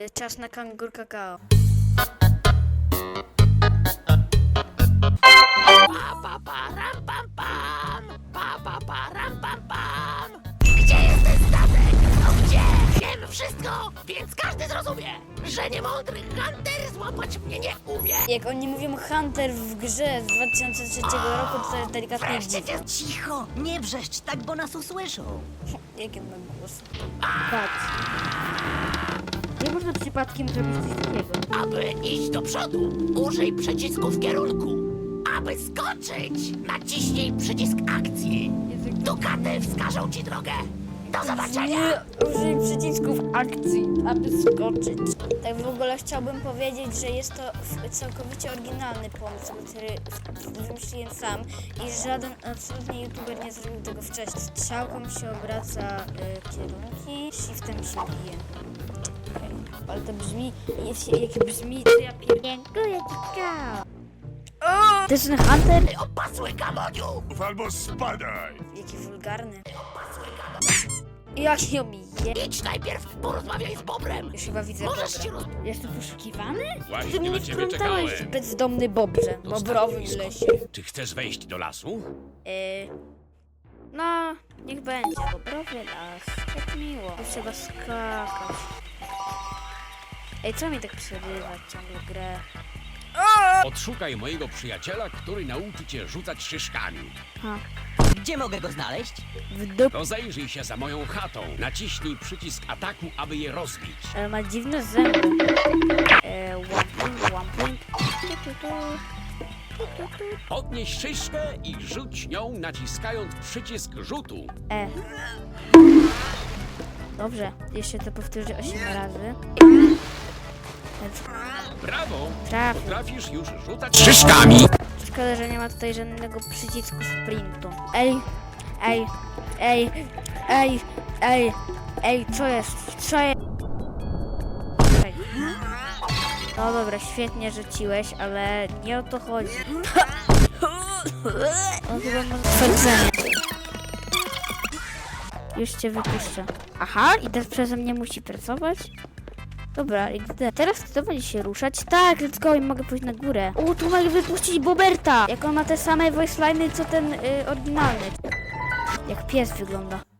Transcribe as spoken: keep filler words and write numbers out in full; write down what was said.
Czas na kangur kakao. Pa, pa, pa, ram, pam, pam. Pa, pa, pa, ram, pam, pam. Gdzie jest ten statek? No gdzie? Wiem wszystko, więc każdy zrozumie, że niemądry Hunter złapać mnie nie umie. Jak oni mówią Hunter w grze z dwa tysiące trzeciego roku, to jest delikatnie Wreszcie dziwne. cię... Cicho, nie wrzeszcz tak, bo nas usłyszą. Jaki on ma głos? Patrz. Nie można przypadkiem zrobić coś takiego. Aby iść do przodu, użyj przycisku w kierunku. Aby skoczyć, naciśnij przycisk akcji. Dukaty wskażą ci drogę. Do zobaczenia! Nie użyj przycisków akcji, aby skoczyć. Tak w ogóle chciałbym powiedzieć, że jest to f- całkowicie oryginalny pomysł, który f- wymyśliłem sam i żaden absolutnie youtuber nie zrobił tego wcześniej. Strzałką się obraca y, kierunki, shiftem się bije. Okay. Ale to brzmi, jest, jak brzmi, to ja pierdolę. Dziękuję ci, kakao. To jest ten Hunter? Ty opasły gamoniu! Albo spadaj! Jaki wulgarny. Jak ją je... Idź najpierw, porozmawiaj z Bobrem. Już chyba widzę Możesz Bobra. się roz... Jest tu poszukiwany? Właśnie Ty mnie na ciebie wplątałeś, czekałem. bezdomny Bobrze. Bobrowy w lesie. Czy chcesz wejść do lasu? Yy, no, niech będzie. Bobrowy las. Jak miło. Tu trzeba skakać. Ej, co mi tak przerywa ciągle grę? Odszukaj mojego przyjaciela, który nauczy cię rzucać szyszkami. Ha. Gdzie mogę go znaleźć? W dup... Rozejrzyj się za moją chatą. Naciśnij przycisk ataku, aby je rozbić. Ale ma dziwne zęby. Eee, łamping, łamping. Tu, tu, tu. Tu, tu, tu. Podnieś szyszkę i rzuć nią, naciskając przycisk rzutu. E. Dobrze, jeszcze to powtórzę osiem razy. Brawo! Trafię. Potrafisz już rzucać szyszkami! Szkoda, że nie ma tutaj żadnego przycisku sprintu. Ej, ej, ej, ej, ej, ej, co jest? Co jest? Ej. No dobra, świetnie rzuciłeś, ale nie o to chodzi. O, chyba ma twierdzenie. Już cię wypuszczę. Aha, i teraz przeze mnie musi pracować? Dobra, i gdy... Teraz kto będzie się ruszać? Tak, let's go i mogę pójść na górę. O, tu mogę wypuścić Boberta! Jak on ma te same voice line'y, co ten y, oryginalny. Jak pies wygląda.